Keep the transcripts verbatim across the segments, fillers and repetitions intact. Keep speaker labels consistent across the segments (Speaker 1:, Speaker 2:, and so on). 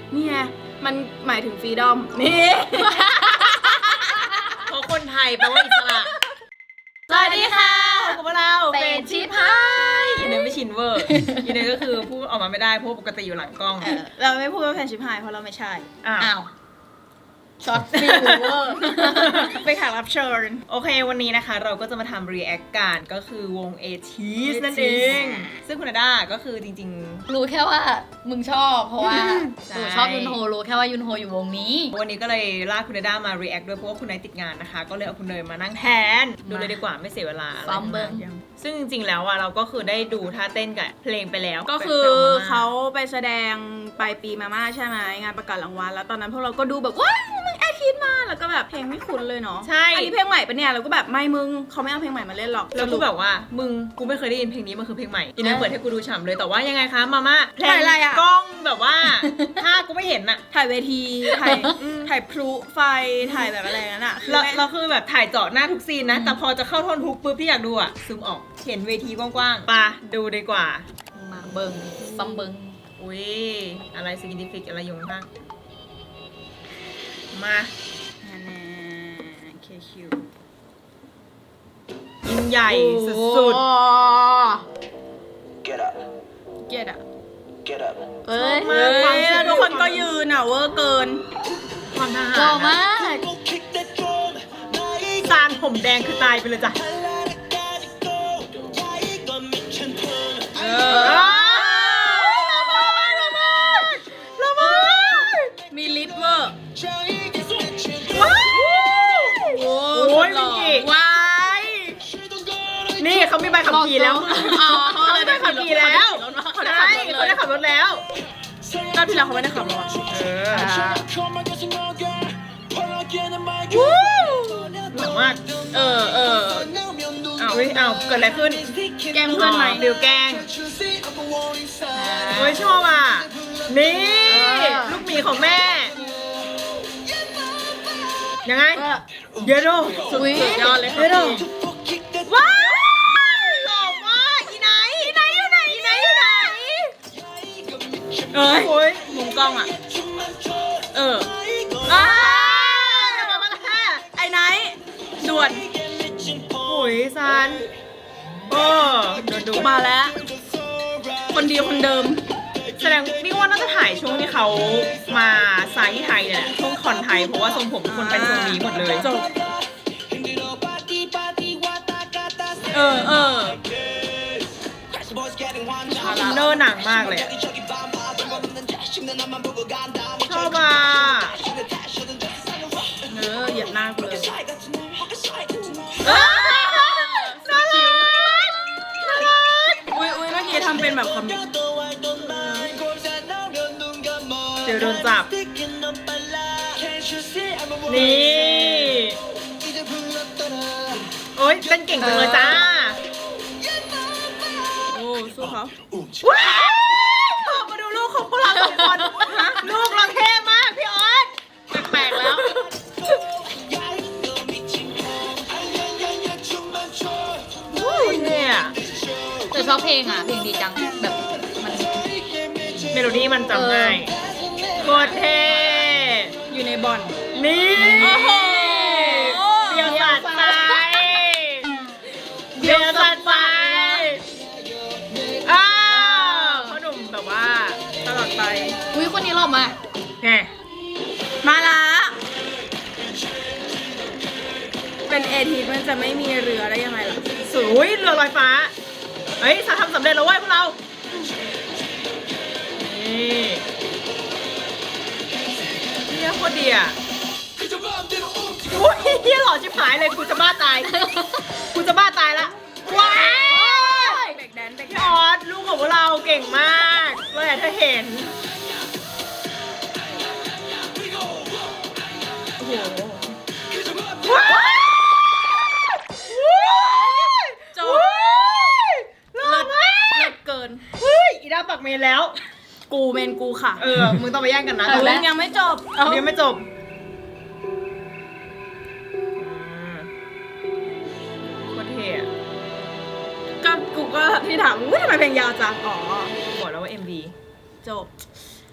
Speaker 1: นี่ไงมันหมายถึงฟรีดอมนี่
Speaker 2: เพราะคนไทยแปลว่าอิสระสวัสดีค่ะพบกับเรา
Speaker 3: เป็นชิพาย
Speaker 2: อีเนยไม่ชินเวอร์อีเนยก็คือพูดออกมาไม่ได้เพราะปกติอยู่หลังกล้อง
Speaker 1: เราไม่พูดว่าแฟนชิพายเพราะเราไม่ใช่
Speaker 2: อ้าว
Speaker 1: ช็อตฟิลเวอร์ไปแขกรับเชิญ
Speaker 2: โอเควันนี้นะคะเราก็จะมาทำรีแอคกันก็คือวง เอทีส นั่นเอง ซึ่งคุณอาด้าก็คือจริง
Speaker 3: ๆรู้แค่ว่ามึงชอบเพราะว่าหนูชอบยุนโฮรู้แค่ว่ายุนโฮอยู่วงนี้
Speaker 2: วันนี้ก็เลยลากคุณอาด้ามารีแอคด้วยเพราะว่าคุณนายติดงานนะคะก็เลยเอาคุณเนยมานั่งแทนดูเลยดีกว่าไม่เสียเวลา
Speaker 3: ซ้อมเบิ้ง
Speaker 2: ซึ่งจริงๆแล้วอะเราก็คือได้ดูท่าเต้นกับเพลงไปแล้ว
Speaker 1: ก็คือเขาไปแสดงปลายปีมาม่าใช่ไหมงานประกาศรางวัลแล้วตอนนั้นพวกเราก็ดูแบบว้าวมึงแอคิดมาแล้วก็แบบเพลงไม่คุ้นเลยเนาะ
Speaker 2: ใช่
Speaker 1: อันนี้เพลงใหม่ปะเนี่ยเราก็แบบไม่มึงเขาไม่เอาเพลงใหม่มาเล่นหรอก
Speaker 2: แล้วกูแบบว่ามึงกูไม่เคยได้ยินเพลงนี้มันคือเพลงใหม่อีเนยเปิดให้กูดูฉ่ำเลยแต่ว่ายังไงคะมาม่าเพลงกล้องแบบว่าถ้ากูไม่เห็นอะ
Speaker 1: ถ่ายเวทีถ่ายถ่ายพลุไฟถ่ายแบบอะไรนั่นอะ
Speaker 2: เราเราคือแบบถ่ายเจาะหน้าทุกซีนนะแต่พอจะเข้าท่อนฮุกปุ๊บที่อยากดูอะซูมออกเห็นเวทีกว้างๆปะดูดีกว่า
Speaker 3: มาเบิ้งซัมเบิ้ง
Speaker 2: อุ้ยอะไรซิกนิฟิกอะไรอยู่ข้างมา
Speaker 1: เคคิว
Speaker 2: ยิ่งใหญ่สุดๆ
Speaker 4: Get up
Speaker 1: Get up
Speaker 4: Get up
Speaker 1: เอ้ยแล้วทุกคนก็ยืนอ่ะเวอร์เกิน
Speaker 2: ความทหาร
Speaker 3: หล่อมาก
Speaker 2: ซานผมแดงคือตายไปเลยจ้ะเออ
Speaker 1: มีลิฟต์เวอร์
Speaker 2: โอ้ยมิกิว้ายนี่เขามีใบขับขี่แล้ว
Speaker 1: อ๋อเขาได้ขับขี่แล้ว
Speaker 2: ใช่เขาได้ขับรถแล้ว
Speaker 1: รอบที่แล้วเขาไม่ได้ขับรถ
Speaker 2: เออหนักมาก
Speaker 1: เออเออ
Speaker 2: เอาเฮ้ยเอาเกิดอะไรขึ้น
Speaker 1: แกล้งเพื่อนไหม
Speaker 2: เดี๋ยวแกล้งโอ้ยชอบอ่ะนี่ลูกหมีของแม่ยังไงเยโด
Speaker 1: สุดยอดเลยค่ะ
Speaker 2: เยโดว้าวหล่อมากอีไหนอีไหนอยู่ไหนอีไหนอยู่ไหน
Speaker 1: เอ้ยโอ้ยมุมกล้องอ่ะเอออ้าไอ้ไหนด่วน
Speaker 2: โอ้ยซันโอ้โดนดู
Speaker 1: มาแล้วคนเดียวคนเดิม
Speaker 2: แสดงนี่ว่าน่าจะถ่ายช่วงที่เขามาไซต์ไทยเนี่ยช่วงคอนไทยเพราะว่าทรงผมทุกคนเป็นทรงนี้หมดเลย
Speaker 1: จบเออเออ
Speaker 2: เนอร์หนังมากเลยชอบอ่ะ
Speaker 1: เออเหยียบหน้ากูเลยอุ้ยอุ้ยเมื่อกี้ทำเป็นแบบคอมมิก
Speaker 2: เดี๋ยวโดนจับนี่โอ๊ยเต้นเก่งจังเลยจ้า
Speaker 1: โอ้สู้เขา
Speaker 2: ว้าวเธอมาดูลูกของพวกเราสองคนลูกเราเท่มากพี่ออสแปลกๆแล้วเนี่ย
Speaker 3: แต่ชอบเพลงอ่ะเพลงดีจังแบบมัน
Speaker 2: เมโลดี้มันจำง่ายโคตรเท่
Speaker 1: อยู่ในบอล
Speaker 2: นี่โอ้โหเดียวสัตว์ไฟเดียวสัตว์ไฟอ้าวพ่อหนุ่มแบบว่าตลอดไป
Speaker 3: อุ้ยคนนี้หล่อมาก
Speaker 2: แหม
Speaker 1: มาละเป็นเอทีมันจะไม่มีเรือได้ยังไงล่ะ
Speaker 2: สวยเรือลอยฟ้าเฮ้ยทำสำเร็จแล้วเว้ยพวกเรานี่เนี่ยโคตรดีอ่ะโอ้ยเฮียหล่อชิบหายเลยกูจะบ้าตายกูจะบ้าตายละว้าย
Speaker 1: เด็กแดนเด็ก
Speaker 2: พี่ออสลูกของพวกเราเก่งมากเราอยากจะเห็นโอ้โหว้าย
Speaker 1: จบ
Speaker 2: เลิศมาก
Speaker 1: เลิศเกิน
Speaker 2: เฮ้ยอีดาปักเมนแล้ว
Speaker 1: กูเมนกูค่ะ
Speaker 2: เออมึงต้องไปแย่งกันนะ
Speaker 1: แต่ยังไม่จบ
Speaker 2: ยังไม่จบโคตรเท่
Speaker 1: ก็กูก็ที่ถามว่าทำไมเพลงยาวจังอ๋อ
Speaker 2: บอกแล้วว่า เอ็ม วี
Speaker 1: จบ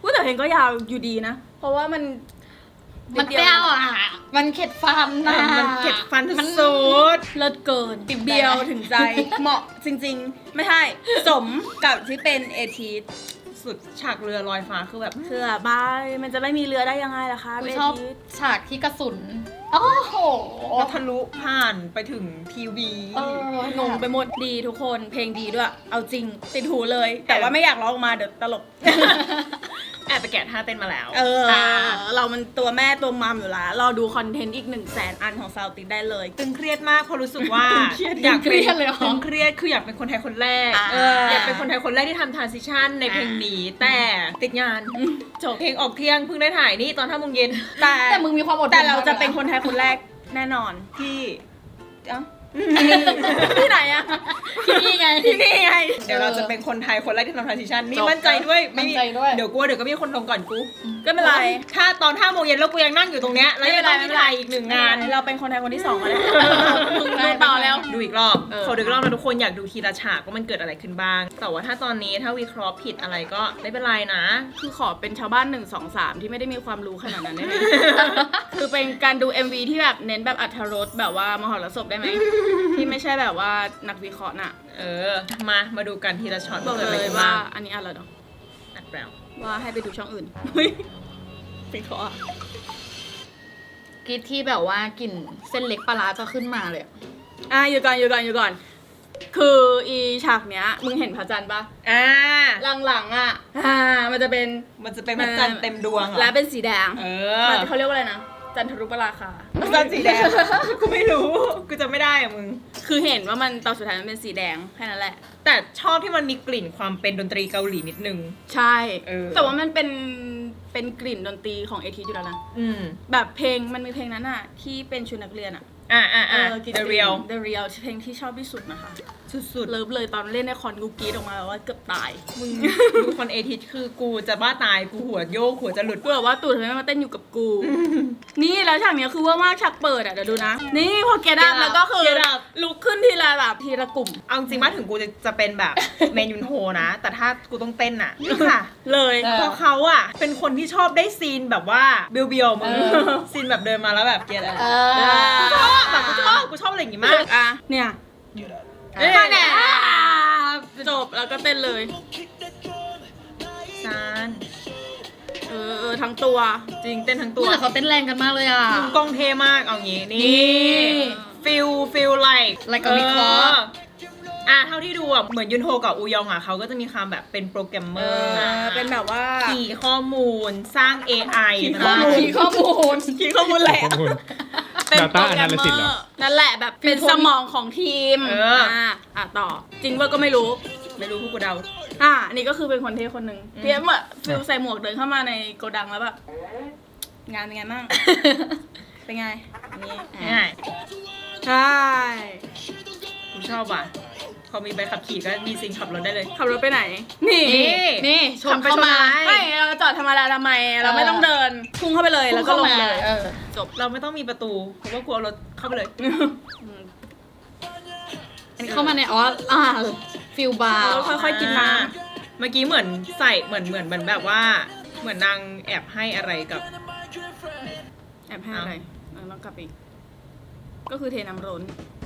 Speaker 1: พูดแต่เพลงก็ยาวอยู่ดีนะ เพราะว่ามัน
Speaker 3: มันเปรี้ยวอ่ะ มันเข็ดฟันนะ
Speaker 2: มันเก็บฟันสุด
Speaker 1: เลิศเกินเบียวถึงใจ เหมาะจริงๆ ไม่ใช่สมกับที่เป็นเอทีส
Speaker 2: สุดฉากเรือลอยฟ้าคือแบบ
Speaker 1: เสื้อบายมันจะไม่มีเรือได้ยังไงล่ะคะ
Speaker 3: กู
Speaker 1: เอ
Speaker 3: ชอบ
Speaker 1: ทีส
Speaker 3: ฉากที่กระสุน โอ้โห
Speaker 2: ก็ทะลุผ่านไปถึงทีวี
Speaker 3: เออง
Speaker 1: งไปหมดดีทุกคนเพลงดีด้วย เอาจริงติดหูเลย แต่ว่าไม่อยากร้องออกมาเดี๋ยวตลก
Speaker 2: แอบไปแกะท่าเต้นมาแล้ว
Speaker 1: เออ เรามันตัวแม่ตัวมัมอยู่แล้วรอดูคอนเทนต์อีกหนึ่งแสนอันของซาวติดได้เลย
Speaker 2: ตึงเครียดมากเพราะรู้สึกว่า
Speaker 1: ตึงเครียด
Speaker 2: อยาก
Speaker 3: เครียดเลยเหรอ
Speaker 2: ตึงเครียดคืออยากเป็นคนไทยคนแรก
Speaker 1: อ่า
Speaker 2: เอออยากเป็นคนไทยคนแรกที่ทำทรานซิชันในเพลงนี้ แต่ติดงานจบเพลงออกเที่ยงเพิ่งได้ถ่ายนี่ตอนห้าโมงเย็น
Speaker 1: แต่
Speaker 3: แต่มึงมีความอดทน
Speaker 1: แต่เราจะ
Speaker 3: มากเลยนะ
Speaker 1: เป็นคนไทยคนแรกแน่นอน
Speaker 2: ที่
Speaker 1: เอ้าที่ไหนอะ
Speaker 3: ที่นี่ไง
Speaker 1: ที่นี่ไง
Speaker 2: เดี๋ยวเราจะเป็นคนไทยคนแรกที่ทำทรานซิชันนี่
Speaker 3: จบ
Speaker 2: มั่นใจด้วย
Speaker 3: มั่นใจด้วย
Speaker 2: เดี๋ยวกลัวเดี๋ยวก็มีคนลงก่อนกู
Speaker 1: ก็ไม่เป็นไร
Speaker 2: ถ้าตอนห้าโมงเย็นแล้วกูยังนั่งอยู่ตรงเนี้ยแล้วยังต้องมีถ่ายอีกหนึ่งงาน
Speaker 1: เราเป็นคนไทยคนที่สองมาแล้ว
Speaker 3: มึง
Speaker 1: ดูต่อแล้ว
Speaker 2: ดูอีกรอบ
Speaker 1: เออ
Speaker 2: ขอดูอีกรอบนะทุกคนอยากดูทีละฉากว่ามันเกิดอะไรขึ้นบ้าง แต่ว่าถ้าตอนนี้ถ้าวิเคราะห์ผิดอะไรก็ไม่เป็นไรนะ
Speaker 1: คือขอเป็นชาวบ้านหนึ่งสองสามที่ไม่ได้มีความรู้ขนาดนั้นได้ไหม คือเป็นการดู เอ็ม วี ที่แบบเน้นแบบอรรถรสแบบว่ามหรสพได้ไหม ที่ไม่ใช่แบบว่านักวิเคราะห์น่ะ
Speaker 2: เออ มามาดูกันทีละช็อต
Speaker 1: บอก
Speaker 2: กิดะ
Speaker 1: เล
Speaker 2: ไร
Speaker 1: ย
Speaker 2: ขึ้น
Speaker 1: ว่า
Speaker 2: บ้ง
Speaker 1: อันนี้อะไรเนาะ
Speaker 2: อัดแล้ว
Speaker 1: ว่าให้ไปดูช่องอื่นเฮ้ยวิเคราะห์อะ
Speaker 3: กรีดที่แบบว่ากลิ่นเส้นเล็กปลาร้าจะขึ้นมาเลยอะ
Speaker 1: อ่ะอยู่ก่อนอยู่ก่อนอยู่ก่อน คืออีฉากเนี้ยมึงเห็นพระจันทร์ปะ
Speaker 2: อ่า
Speaker 1: หลังๆอ่ะอ่ามันจะเป็น
Speaker 2: มันจะเป็นพระจันทร์เต็มดวงเหรอ
Speaker 1: และเป็นสีแดง
Speaker 2: เอ
Speaker 1: มั
Speaker 2: อน
Speaker 1: เขาเรียกว่าอะไรนะ จันทรุปราคา
Speaker 2: พระจันทร์สีแดง กูไม่รู้ กูจะไม่ได้อะมึง
Speaker 1: คือเห็นว่ามันตอนสุดท้ายมันเป็นสีแดงแค่นั้นแหละ
Speaker 2: แต่ชอบที่มันมีกลิ่นความเป็นดนตรีเกาหลีนิดนึง
Speaker 1: ใช่
Speaker 2: เออ
Speaker 1: แต่ว่ามันเป็นเป็นกลิ่นดนตรีของเอทีอยู่แล้วนะ
Speaker 2: อืม
Speaker 1: แบบเพลงมันมีเพลงนั้นอ่ะ ที่เป็นชุดนักเรียนอ่ะ
Speaker 2: อ่าอ่าอ่า
Speaker 1: กลิ่น
Speaker 2: The Real
Speaker 1: The Real เพลงที่ชอบที่สุดนะคะ
Speaker 2: สุด
Speaker 1: เลิฟเลยตอนเล่นในคอนกูกรีดออกมาแบบว่าเกือบตาย
Speaker 2: ๆมึงดูคอนเอทิสคือกูจะบ้าตายกูหัวโยกหัวจะหลุด
Speaker 1: กูแบบว่าตู่ทำไมไม่มาเต้นอยู่กับกู นี่แล้วฉากเนี้ยคือว่ามากฉากเปิดอ่ะเดี๋ยวดูนะ นี่พอเกดับ
Speaker 3: Get Up
Speaker 1: แล้วก็คือ
Speaker 2: Get Up
Speaker 1: ลุกขึ้นทีละแบบทีละกลุ่ม
Speaker 2: เอาจริงว่าถึงกูจะจะเป็นแบบ เมนยุนโฮนะ แต่ถ้ากูต้องเต้นอ่ะนี่ค่ะ
Speaker 1: เลย
Speaker 3: เออ
Speaker 2: เพราะเขาอ่ะ เป็นคนที่ชอบได้ซีนแบบว่าเบียวๆมึง
Speaker 3: เออ
Speaker 2: ซีนแบบเดินมาแล้วแบบเกลียดอะไร
Speaker 3: เอ
Speaker 2: กูช
Speaker 3: อ
Speaker 2: อบแบบกูชอบกูชอบอะไรอย่างงี้มาก
Speaker 1: อ่ะเนี่ย
Speaker 2: เอ้ย
Speaker 1: แหน่จบแล้วก็เต้นเลย
Speaker 2: ซาน
Speaker 1: เออเออทั้งตัว
Speaker 2: จริงเต้นทั้ง
Speaker 3: ตั
Speaker 2: ตัว ว
Speaker 3: แต่เขาเต้นแรงกันมากเลยอ่ะ
Speaker 2: มุมกล้องเท่มากเอางี้
Speaker 3: นี่
Speaker 2: นี่ฟิลฟิลไลค์
Speaker 3: Like a Vickers
Speaker 2: อ่ะเท่าที่ดูอ่ะเหมือนยุนโฮกับอูยองอ่ะเขาก็จะมีความแบบเป็นโปรแกรมเมอร์
Speaker 1: เออเป็นแบบว่า
Speaker 2: ขี่ข้อมูลสร้าง เอ ไอ
Speaker 1: ขี่
Speaker 2: นะ
Speaker 1: ข้อมูล
Speaker 3: ขี่ข้อมูล
Speaker 1: คีย์ข้อมูลแหละ
Speaker 4: ข้อมูล
Speaker 1: เป็น
Speaker 4: Data
Speaker 1: โปรแกรมเมอ
Speaker 4: Analysis เหรอ
Speaker 1: ร์นั่นแหละแบบเป็นสมองของทีม
Speaker 2: เอออ่
Speaker 1: ะอ่ะต่อ จริงว่าก็ไม่รู้
Speaker 2: ไม่รู้พวกกูเดา
Speaker 1: อ่ะอันนี่ก็คือเป็นคนเท่คนหนึ่ง
Speaker 2: อืม
Speaker 1: เพียเหมือนฟิลใส่หมวกเดินเข้ามาในโกดังแล้วแบบงานเป็นไงบ้าง เป็นไงนี่
Speaker 2: ง่าย
Speaker 1: ใช่
Speaker 2: กูชอบว่ะพอมีใบขับขี่ก็มีซิงขับรถได้เลย
Speaker 1: ขับรถไปไหน นี่
Speaker 2: นี่
Speaker 3: นี่ชน
Speaker 2: ขับไป
Speaker 3: เข้ามา
Speaker 2: ชนท้าย
Speaker 1: ไม่เราจอดธรรมดาทำไม เราไม่ต้องเดิน พุ่งเข้าไปเลยแล้วก็ลงเลย
Speaker 3: เออ
Speaker 1: จบ
Speaker 2: เราไม่ต้องมีประตูเพราะว่ากูเอารถเข้าไปเลย
Speaker 1: อืม
Speaker 3: อันนี้เข้ามาในอ๋ออ่าฟิลบาร์
Speaker 1: เราค่อยๆกินน้
Speaker 2: เมื่อกี้เหมือนใส่เหมือนเหมือนเหมือนแบบว่า เหมือนนางแอบให้อะไรกับ
Speaker 1: ำแอบให้อะไรเออต้องกลับอีก ก็คือเทน้ำร้น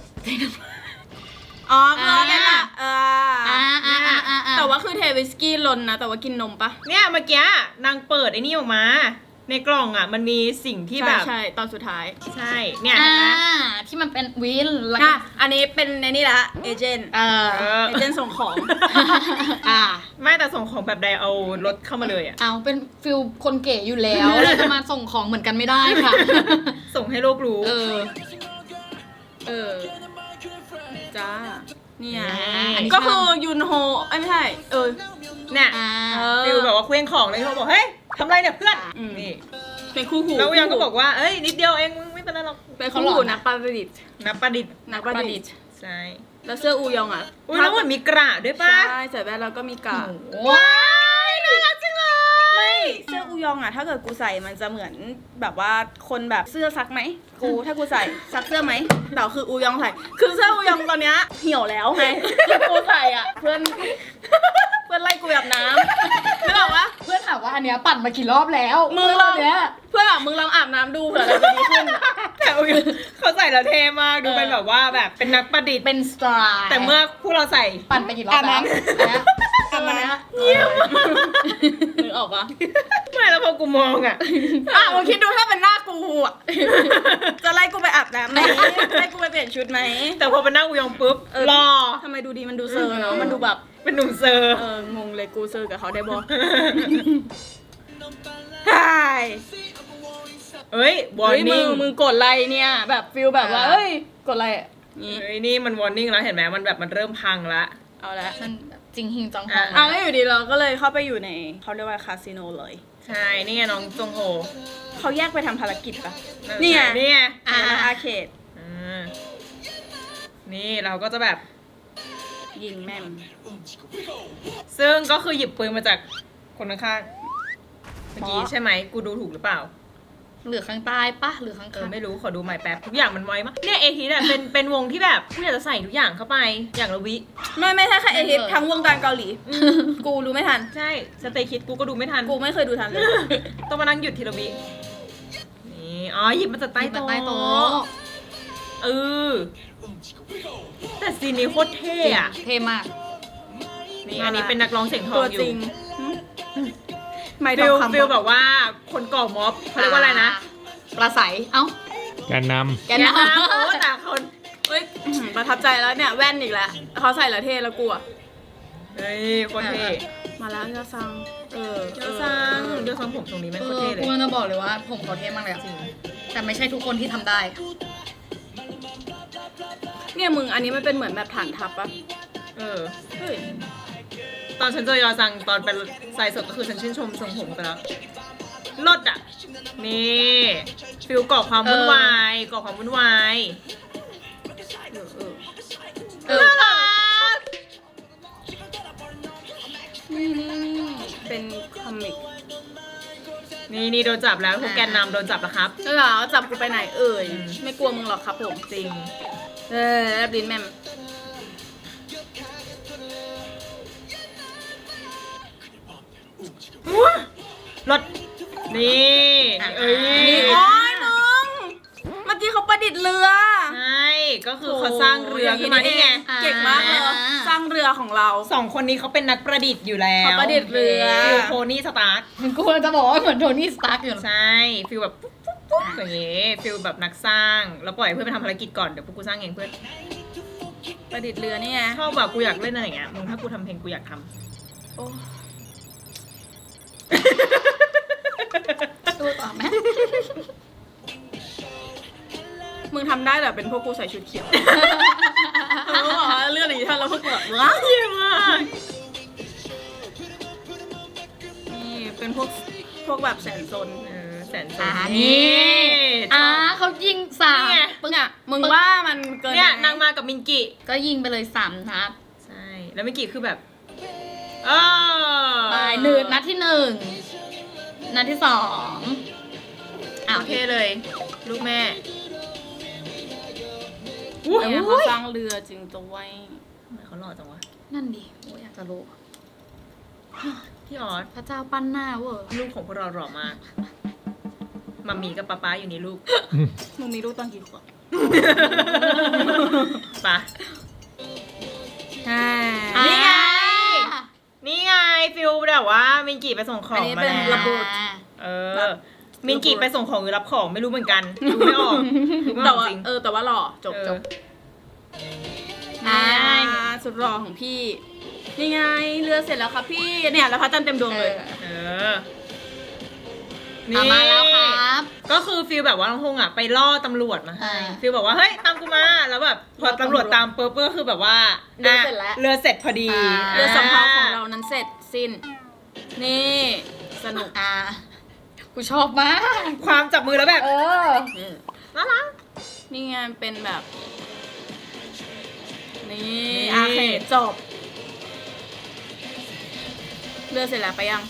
Speaker 1: อ๋อคืออันนั่นแหละเอ
Speaker 3: อ่า
Speaker 1: อ
Speaker 3: อ่าอ่าอ่า
Speaker 1: แต่ว่าคือเทวิสกี้ลนนะ แต่ว่ากินนมปะ
Speaker 2: เนี่ยเมื่อกี้นางเปิดไอ้นี่ออกมา ในกล่องอ่ะมันมีสิ่งที่
Speaker 1: ใช่
Speaker 2: แบบ
Speaker 1: ใช่ตอนสุดท้าย
Speaker 2: ใช่เนี่ย
Speaker 3: อ่า
Speaker 2: เห็นไหม
Speaker 3: ที่มันเป็นวินแล้วก็
Speaker 1: อ่ะอันนี้เป็นในนี่ละเอเจนต์
Speaker 3: เออ
Speaker 2: เออ
Speaker 1: เอเจนต์ส่งของ
Speaker 3: อ่า
Speaker 2: ไม่แต่ส่งของแบบใดเอารถเข้ามาเลยอ่ะ
Speaker 3: เอาเป็นฟิลคนเก๋อยู่แล้วเราจะมาส่งของเหมือนกันไม่ได้ค่ะ
Speaker 2: ส่งให้โลกรู้
Speaker 3: เออ
Speaker 1: เออ จ้า เนี่ย
Speaker 3: อันนี้
Speaker 1: ก็คือยุนโฮเอ้ยไม่ใช่ เออ
Speaker 2: เนี่ย
Speaker 3: อ่า
Speaker 1: เออ
Speaker 2: ฟิลแบบว่าเคว้งของเลยเขาบอกเฮ้ยทำไรเนี่ยเพื่อน
Speaker 1: อืม
Speaker 2: นี่
Speaker 1: เป็นคู่หู
Speaker 2: แล้วยังก็บอกว่าเอ้ยนิดเดียวเองมึงไม่เป็นไรหรอก
Speaker 1: เป็นคู่หูนักประดิษฐ์
Speaker 2: นับประดิษฐ์
Speaker 1: นักประดิษฐ์
Speaker 2: ใช่
Speaker 1: แล้วเสื้ออูยองอ่ะ
Speaker 2: อุ้ยแล้วเหมือนมีกระด้วยป่ะ
Speaker 1: ใช่ใส่แว่นแล้วก็มีกา
Speaker 2: ว้ายน่ารักจังเลย
Speaker 1: ไม่เสื้ออูยองอ่ะ ถ้าเกิดกูใส่มันจะเหมือนแบบว่าคนแบบเสื้อซักไหมกูถ้ากูใส่ซักเสื้อไหมแต่คืออูยองใส่คือเสื้ออูยองตอนเนี้ยเหี่ยวแล้วไงแล้วกูใส่อ่ะเพื่อนเพื่อนพื่อนไล่กูไปอาบน้ำนึกออกปะ
Speaker 3: เพื่อนถามว่าอันเนี้ยปั่นมากี่รอบแล้ว
Speaker 1: มึงลอง
Speaker 3: เนี้ย
Speaker 1: เพื่อนบอกมึงลองอาบน้ำดูเผื่ออะไรจะดีขึ้น
Speaker 2: แต่เขาใส่แล้วเท่มากดูเป็นแบบว่าแบบเป็นนักประดิษฐ์
Speaker 3: เป็นสไตล์
Speaker 2: แต่เมื่อพวกเราใส่
Speaker 3: ปั่นไปกี่รอบแล้ว
Speaker 1: อาบน้ำ
Speaker 3: เนี้ย
Speaker 1: เยี่ยมนึกออกปะ
Speaker 2: ไม่แล้วพอกูมองอ่ะ
Speaker 1: อ่ะมึงคิดดูถ้าเป็นหน้ากูอ่ะ จะไล่กูไปอาบน้ำไหมไล่กูไปเปลี่ยนชุดไหม
Speaker 2: แต่พอเป็นหน้าอูยองปุ๊บ
Speaker 1: เออ
Speaker 2: รอ
Speaker 1: ทำไมดูดีมันดูเซอร์เนาะมันดูแบบ
Speaker 2: เป็นหนุ่มเซอร์
Speaker 1: เอองงเลยกูเซอร์กับเขาได้บอใช่
Speaker 2: เอ้ย วอ
Speaker 1: เฮ้ย
Speaker 2: ร์
Speaker 1: มึ
Speaker 2: นิ่
Speaker 1: ง
Speaker 2: ง
Speaker 1: มึงกดไลค์เนี่ยแบบฟิลแบบว่าเอ้ยกดไลค์อ่ะนี่
Speaker 2: เฮ้ยนี่มันวอร์นิ่งแล้วเห็นไหมมันแบบมันเริ่มพังละ
Speaker 1: เอาละ
Speaker 3: มันแบบจริงหิงจังฮอง
Speaker 1: อ่ะแล้วอยู่ดีเราก็เลยเข้าไปอยู่ในเขาเรียกว่าคาสิโนเลย
Speaker 2: ใช่ นี่ไงน้องจงโฮ
Speaker 1: เขาแยกไปทำภารกิจปะ
Speaker 2: นั่น
Speaker 1: นี่ไง
Speaker 2: นี่ไง
Speaker 1: อ่าอาร์เคด
Speaker 2: อ่านี่เราก็จะแบบ
Speaker 1: ยิงแม่ง
Speaker 2: ซึ่งก็คือหยิบปืนมาจากคนข้างๆเมื่อกี้ใช่ไหมกูดูถูกหรือเปล่า
Speaker 3: หรือข้างใต้ปะหรือข้าง
Speaker 2: เออ
Speaker 3: ข้าง
Speaker 2: ไม่รู้ขอดูใหม่แป๊บทุกอย่างมันไวมากเนี่ยเอทีเนี่ยเป็นเป็นวงที่แบบกูอยากจะใส่ทุกอย่างเข้าไปอย่างละวิ
Speaker 1: ไม่ไม่ใช่แค่เอทิปทั้งวงการเกาหลี กูรู้ไม่ทัน
Speaker 2: ใช่สเตย์คิดกูก็ดูไม่ทัน
Speaker 1: กูไม่เคยดูทันเลย
Speaker 2: ต้องมานั่งหยุดทีละวินี่อ๋อหยิบมาจากใต้
Speaker 3: ใต้
Speaker 2: โต๊ะ
Speaker 3: ใต้โต๊ะ
Speaker 2: เออแต่ซีนนี้โคตรเท่อะ
Speaker 3: เท่มาก
Speaker 2: นี่อันนี้เป็นนักร้องเสียงทอ
Speaker 1: ตั
Speaker 2: ง
Speaker 1: ว
Speaker 2: อยู่
Speaker 1: จริงไม่ท
Speaker 2: ฟิ
Speaker 1: อ
Speaker 2: ล
Speaker 1: งคำ
Speaker 2: ฟิลแบบว่าคนก่อม็อบเขาเรียกว่าอะไรนะ
Speaker 3: ปลาใสเอ้า
Speaker 4: แกนน
Speaker 3: แกนน
Speaker 2: นะโอ้แต่คน
Speaker 1: เฮ้ยอื้อหือประทับใจแล้วเนี่ยแว่นอีกแล้วเขาใส่ละเท่แล้วกูอะ
Speaker 2: เฮ้ยโคตรเท่
Speaker 1: มาแล้วยอซังเออ
Speaker 2: เดี๋ยวซังเดี๋ยวซังผมตรงนี้แม่ง
Speaker 3: เอ
Speaker 2: โคตร
Speaker 3: อ
Speaker 2: เท่เลย
Speaker 3: กูจะบอกเลยว่าผมเขาเท่มากเลยอะ
Speaker 2: จริง
Speaker 3: แต่ไม่ใช่ทุกคนที่ทำได้
Speaker 1: เนี่ยมึงอันนี้มันเป็นเหมือนแบบฐานทัพปะ
Speaker 2: เออ
Speaker 1: เฮ้ย
Speaker 2: ตอนฉันเจอยอซังตอนเป็นสายสดก็คือฉันชื่นชมทรงผมไปแล้วลดอ่ะ นี่ฟิลก่อความวุ่นวายก่อความวุ่นวาย
Speaker 1: เออเออ
Speaker 3: เออ
Speaker 2: น่ารัก
Speaker 1: นี่นี่นี่เป็นคอมิก
Speaker 2: นี่นี่โดนจับแล้วพวกแกนนำโดนจับแล้วครับ
Speaker 1: แล้วเหรอจับกูไปไหนเอ่ย
Speaker 2: อืม
Speaker 1: ไม่กลัวมึงหรอกครับผม
Speaker 2: จริง
Speaker 1: เออแลบลิ้นแม่ม
Speaker 2: รถนี่เอ้ย
Speaker 1: นี่โอ้ยมึงเมื่อกี้เขาประดิษฐ์เรือ
Speaker 2: ใช่ก็คือเขาสร้างเรือขึ้นมานี่ไง
Speaker 1: เก่งมากเลยสร้างเรือของเรา
Speaker 2: สองคนนี้เขาเป็นนักประดิษฐ์อยู่แล้ว
Speaker 1: เขาประดิษฐ์เรือ
Speaker 2: ฟิลโทนี่สตาร์ค
Speaker 3: กูจะบอกว่าเหมือนโทนี่สตาร์กอยู่นะ
Speaker 2: ใช่ฟิลแบบปุ๊บปุ๊บปุ๊บอย่างเงี้ยฟิลแบบนักสร้างแล้วปล่อยให้เพื่อนไปทำภารกิจก่อนเดี๋ยวพวกกูสร้างเองเพื่อน
Speaker 1: ประดิษฐ์เรือนี่ไง
Speaker 2: ชอบแบบกูอยากเล่นอะไรอย่างเงี้ยมึงถ้ากูทำเพลงกูอยากท
Speaker 1: โอ้
Speaker 3: ดูต่อไหม
Speaker 1: มึงทำได้แต่เป็นพวกกูใส่ชุดเขียวเออบอกว่าเรื่องอย่างนี้ท่านเราพวกกูแบบว้า
Speaker 2: ำเยี่ยมมาก
Speaker 1: นี่เป็นพวกพวกแบบแสนซน
Speaker 2: เออแสนส
Speaker 3: อ่า
Speaker 2: วย
Speaker 3: นี่อ่าเขายิงสาม
Speaker 2: นี่ไง
Speaker 1: ปึ้งอ่ะมึงว่ามันเกิน
Speaker 2: เนี่ย
Speaker 1: ไหม
Speaker 2: นางมากับมินกิ
Speaker 3: ก็ยิงไปเลยสามนัด
Speaker 2: ใช่แล้วมินกิคือแบบเออ
Speaker 3: ไปหนึ่งนัดที่หนึ่งนัดที่สองอ้าว
Speaker 2: โอเคเลย ลูกแม่
Speaker 1: เนี่ยเขาสร้างเรือจริงตัวไว้
Speaker 2: ทำไมเขาหล่อจังวะ
Speaker 3: นั่นดิโอ้ยอยากจะรู้
Speaker 2: พี่ออส
Speaker 3: พระเจ้าปั้นหน้าเวอร์
Speaker 2: ลูกของพวกเราหล่อมากมัมมี่กับป๊าป๊าอยู่นี่ลูก
Speaker 1: มึงมีลูกตอนกี่ขวบ
Speaker 2: ปะ
Speaker 1: อ่า
Speaker 2: นี่ไง นี่ไงฟิลแบบว่ามินกิไปส่งของมาแล้ว
Speaker 1: ระเบิด
Speaker 2: เออ มินกิไปส่งของหรือรับของไม่รู้เหมือนกันดูไม่ออกดูไม่อ
Speaker 1: แต่
Speaker 2: อก
Speaker 1: ว่า
Speaker 2: จริง
Speaker 1: เออแต่ว่าหล่อจบ
Speaker 2: เออ
Speaker 1: จบ
Speaker 3: อ่า
Speaker 1: อ่าสุดหล่อของพี่ นี่ไงเรือเสร็จแล้วครับพี่เนี่ยแล้วพระจันทร์เต็มดวงเลย
Speaker 2: เออ
Speaker 3: เอามาแล้วครับ
Speaker 2: ก็คือฟิลแบบว่าน้องฮงอ่ะไปล่อตำรวจมาให้
Speaker 3: อ่า
Speaker 2: ฟิลแบบว่าเฮ้ยตามกูมาแล้วแบบพอตำรวจตามปุ๊บก็คือแบบว่า
Speaker 1: เรือเสร็จแล้ว
Speaker 2: เรือเสร็จพอดี
Speaker 3: อ่า
Speaker 1: เรือสำเภาของเรานั้นเสร็จสิ้น นี่สนุก
Speaker 3: อ่ากูชอบมาก
Speaker 2: ความจับมือแล้วแบบ
Speaker 3: เออ
Speaker 2: น่ารัก
Speaker 1: นี่ไงเป็นแบบ นี่
Speaker 2: นี่
Speaker 1: อาเคดจบ เรือเสร็จแล้วไปยัง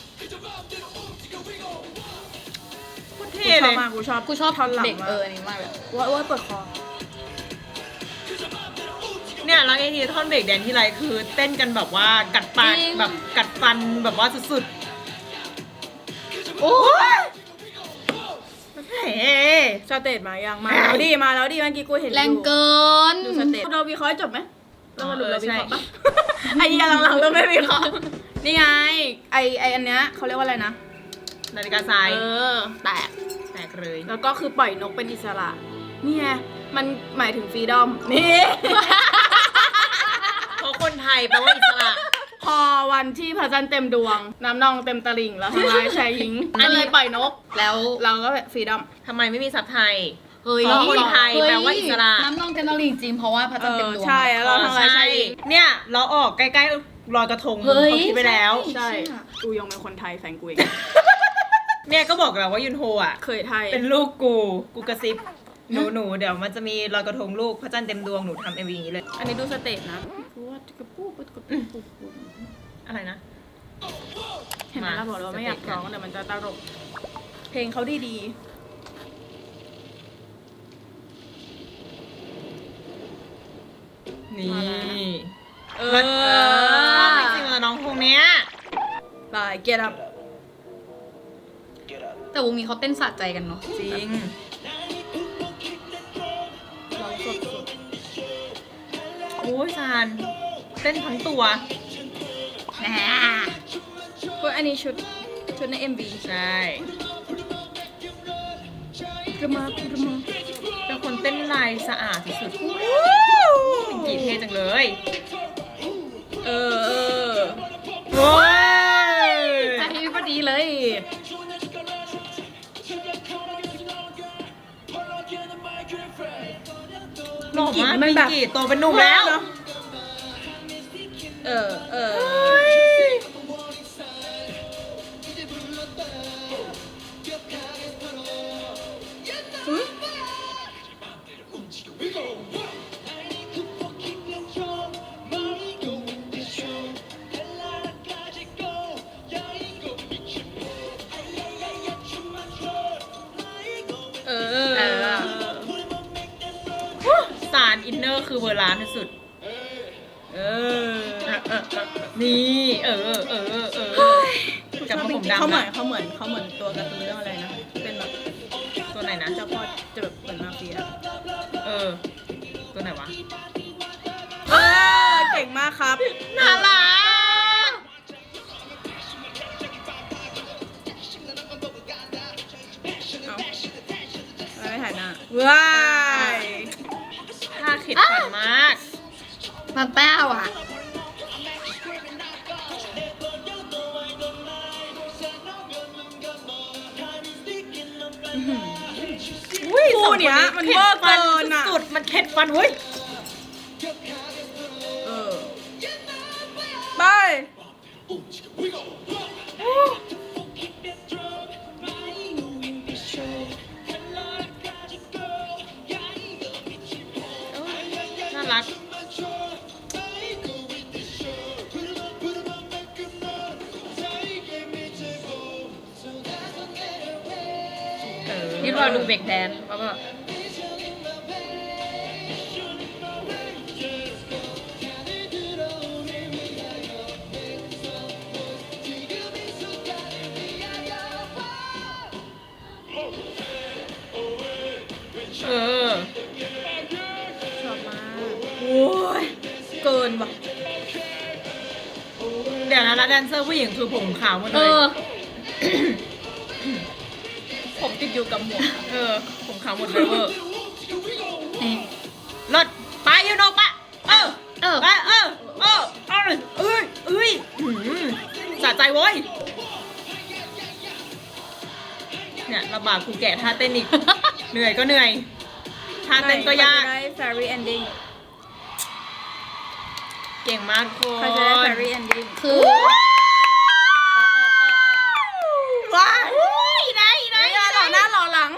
Speaker 2: โคตร
Speaker 1: กู
Speaker 2: เท่
Speaker 1: ช
Speaker 2: เล
Speaker 1: อบ
Speaker 2: ย
Speaker 1: มากกูชอบ
Speaker 3: กูชอบ
Speaker 1: ท่อนหลัง
Speaker 3: เด็ก
Speaker 1: มาก
Speaker 3: เออนี่มากเลย
Speaker 1: ว่าว่าเปิดคอ
Speaker 2: เนี่ยแล้วไอ้ทีท่อนเบรกแดนที่ไรคือเต้นกันแบบว่ากัดปากแบบกัดฟันแบบว่าสุดๆโอ้ยเฮ้
Speaker 1: สเตจมายังมาแล้วดิมาแล้วดิเมื่อกี้กูเห็นอยู่
Speaker 3: แรงเกิน
Speaker 1: ดูสเตจเราวิเคราะห์ให้จบไหมเรามาดูเราวิเคราะห์ปะไอ้เหี้ยหลังๆเราไม่วิเคราะห์นี่ไงไอไออันเนี้ยเขาเรียกว่าอะไรนะ
Speaker 2: นาฬิกาทราย
Speaker 1: เออแตก
Speaker 2: แตกเลย
Speaker 1: แล้วก็คือปล่อยนกเป็นอิสระนี่ไงมันหมายถึงฟรีดอมนี่
Speaker 2: เพราะคนไทยแปลว่าอิสระ
Speaker 1: พอวันที่พระจันทร์เต็มดวง น้ำนองเต็มตลิ่งแล้วทั้งร้ายชายหญิงก็เลยปล่อยนก
Speaker 3: แล้ว
Speaker 1: เราก็ฟรีดอม
Speaker 2: ทำไมไม่มีซับไทย
Speaker 3: เฮ้ย
Speaker 2: เพราะคนไทยแปลว่าอิสระ
Speaker 3: น้ำนองเต็มตลิ่งจริงเพราะว่าพระจันทร์เต็มดวง
Speaker 1: ใช่แล้วเราทั้งร้ายชายหญิง
Speaker 2: เนี่ยเราออกใกล้ๆลอยกระทง
Speaker 3: เฮ้ย
Speaker 2: เขาคิดไปแล้ว
Speaker 1: ใช่กูยองเป็นคนไทยแฟนกูเอง
Speaker 2: เนี่ยก็บอกแล้วว่ายุนโฮอ่ะ
Speaker 1: เคยไทย
Speaker 2: เป็นลูกกู กูกระซิบ หนูหนูเดี๋ยวมันจะมีลอยกระทงลูกพระจันทร์เต็มดวงหนูทำเอ็มวีอย่างนี้เลย
Speaker 1: อันนี้ดูสเตจนะกูว่ากระปู้กระปู้กระปู้
Speaker 2: อะไรนะ
Speaker 1: เห็นไหมเราบอกเราไม่อยากร้องแต่มันจะตลกเพลงเขาดีดี
Speaker 2: นี่
Speaker 1: ๆเอ
Speaker 2: เอ
Speaker 1: อ
Speaker 2: อจริงๆแล้วน้องคงเนี้ย
Speaker 1: ไปเกียร์ดับ
Speaker 3: แต่วงนี้เขาเต้นสะใจกันเนาะ
Speaker 2: จริง
Speaker 1: ร้องสด
Speaker 2: โอ้ยซานเต้นทั้งตัว
Speaker 3: แหม
Speaker 1: ๆพวกอันนี้ชุดชุดใน เอ็ม วี
Speaker 2: ใช่
Speaker 1: กระมากระมา
Speaker 2: เป็นคนเต้นลายสะอาดที่สุดเป็นกีเท่จังเลย
Speaker 1: เออเออ
Speaker 2: โอ้ย
Speaker 3: ใจพอดีเลย
Speaker 2: หล่อมากมิงกีโตเป็นหนุ่มแล้ว
Speaker 1: เออเออเออ
Speaker 3: เออ
Speaker 2: สารอินเนอร์คือเวอร์ล้านที่สุด
Speaker 1: เออ
Speaker 2: นี่ เออ เออ เออ กับ
Speaker 1: ชอบ
Speaker 2: ผม
Speaker 1: จริงๆเขา
Speaker 2: ดำ
Speaker 1: เหมือน
Speaker 2: อะ
Speaker 1: เขาเหมือนเขาเหมือนตัวการ์ตูนเรื่องอะไรนะเป็นแบบ
Speaker 2: ตัวไหนนะ
Speaker 1: เจ้าพ่อจะแบบเหมือนมาเฟีย
Speaker 2: เออ ตัวไหนวะ
Speaker 1: เออเก่งมากครับ
Speaker 2: น่ารัก
Speaker 1: เอาอะไรไม่ถ่ายหน้าว้าย
Speaker 2: ท่าเข็ดฟันมาก
Speaker 3: มาแป้วอ่ะ
Speaker 2: อุ้ย
Speaker 1: คู่เนี้ยมันเวอร์เกินอ่ะ
Speaker 2: สุดๆมันเข็ดฟันเว้ย
Speaker 1: เออไป
Speaker 2: น่ารัก เออ
Speaker 3: นี่เราดูเบรกแดนซ์แล้วก็
Speaker 2: เออ
Speaker 1: ชอบมากโอ้ยเกินว่ะ
Speaker 2: เดี๋ยวนะแล้วแดนเซอร์ผู้หญิงคือผมขาวหมด
Speaker 3: เอ
Speaker 2: เลย
Speaker 3: อ
Speaker 1: ผมติดอยู่กับหมวก
Speaker 2: เออ ผมขาวหมดเลยเวอร์
Speaker 3: นี่
Speaker 2: รถไปยูโนปะเออ
Speaker 3: เออ
Speaker 2: ไปเออเออเออเอ้ยเอ้ยหืมสะใจโว้ยเนี่ยลำบากกูแกะท่าเต้นอีก เหนื่อยก็เหนื่อยท่าเต้นก็ยาก
Speaker 1: ใครจะได้ fairy ending
Speaker 2: เก่งมากทุกค
Speaker 1: ใครจะได้
Speaker 2: น
Speaker 1: fairy ending
Speaker 3: คือ
Speaker 1: ว้าย
Speaker 2: ไหนไหน
Speaker 1: ไม่ได้หล่อหน้าหล่อหลัง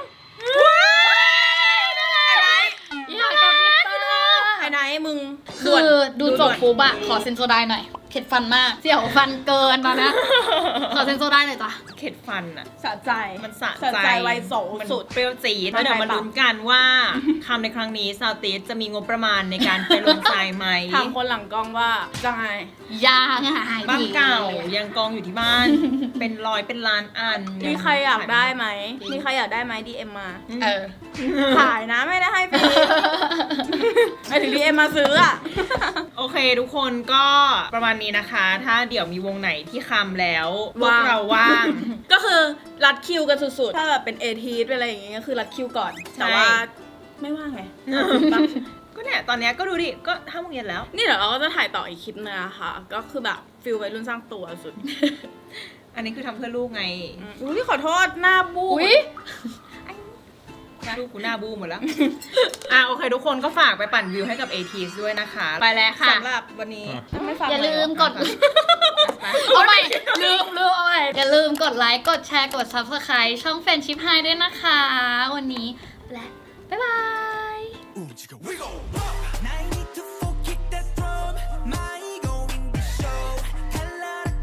Speaker 3: อยากกับพี่เตอร์
Speaker 1: ไอ้ไหนมึง
Speaker 3: คือดูจบปุ๊บอะขอเซนโซไดหน่อยเข็ดฟันมาก เสี่ยวฟันเกินตอนนี้ขอเซนโซได้เลยจ้ะ
Speaker 2: เข็ดฟันอะ
Speaker 1: สะใจ
Speaker 2: มันสะ
Speaker 1: สะใจไวโส
Speaker 2: มัน
Speaker 1: สุด
Speaker 2: เปรี้ยวจี๊ดแล้วเดี๋ยวมาลุ้นกันว่าคำในครั้งนี้ซาวติสจะมีงบประมาณในการไปลงทรายไหม
Speaker 1: ถามคนหลังกล้องว่าจะไง
Speaker 3: ยางหาย
Speaker 2: บ้านเก่ายังกองอยู่ที่บ้าน เป็นร้อยเป็นล้านอัน
Speaker 1: มีใครอยากได้ไหม มีใครอยากได้ไหม ดี เอ็ม มา
Speaker 3: เออ
Speaker 1: ขายนะไม่ได้ให้ฟรีไม่ถึง ดี เอ็ม มาซื้ออ่ะ
Speaker 2: โอเคทุกคนก็ประมาณนี้นะคะ ถ้าเดี๋ยวมีวงไหนที่คำแล้วพวก
Speaker 1: ว่าง
Speaker 2: เราว่าง
Speaker 1: ก็คือรัดคิวกันสุดๆ ถ้าแบบเป็นเอทีเป็นอะไรอย่างเงี้ยก็คือรัดคิวก่อน แต่ว่าไม่ว่างไง
Speaker 2: ก็เนี่ยตอนเนี้ยก็ดูดิ ก็ห้าโมงเย็นแล้ว
Speaker 1: นี่เดี๋ยวเราก็จะถ่ายต่ออีกคลิปนึงอะค่ะ ก็คือแบบฟิลวัยรุ่นสร้างตัวสุด
Speaker 2: อันนี้คือทำเพื่อลูกไง
Speaker 1: อุ้ยขอโทษหน้าบู
Speaker 3: อุ๊ย
Speaker 2: ลูกกูหน้าบูมหมดแล้ว อ่ะโอเค ทุกคนก็ฝากไปปั่นวิวให้กับ เอ ที ด้วยนะคะ ไปแล้วค่ะ
Speaker 1: สำหรับวันนี้ไม่ฝาก
Speaker 3: อย่าลืม
Speaker 1: ไว้
Speaker 3: กด เอาใหม่ลืมลืมเอาใหม่อย่าลืมกดไลค์กดแชร์กด ซับสไครบ์ ช่องแฟนชิพไฮด้วยนะคะ วันนี้และบ๊ายบาย
Speaker 4: Ooh, chicka, we gon' rock.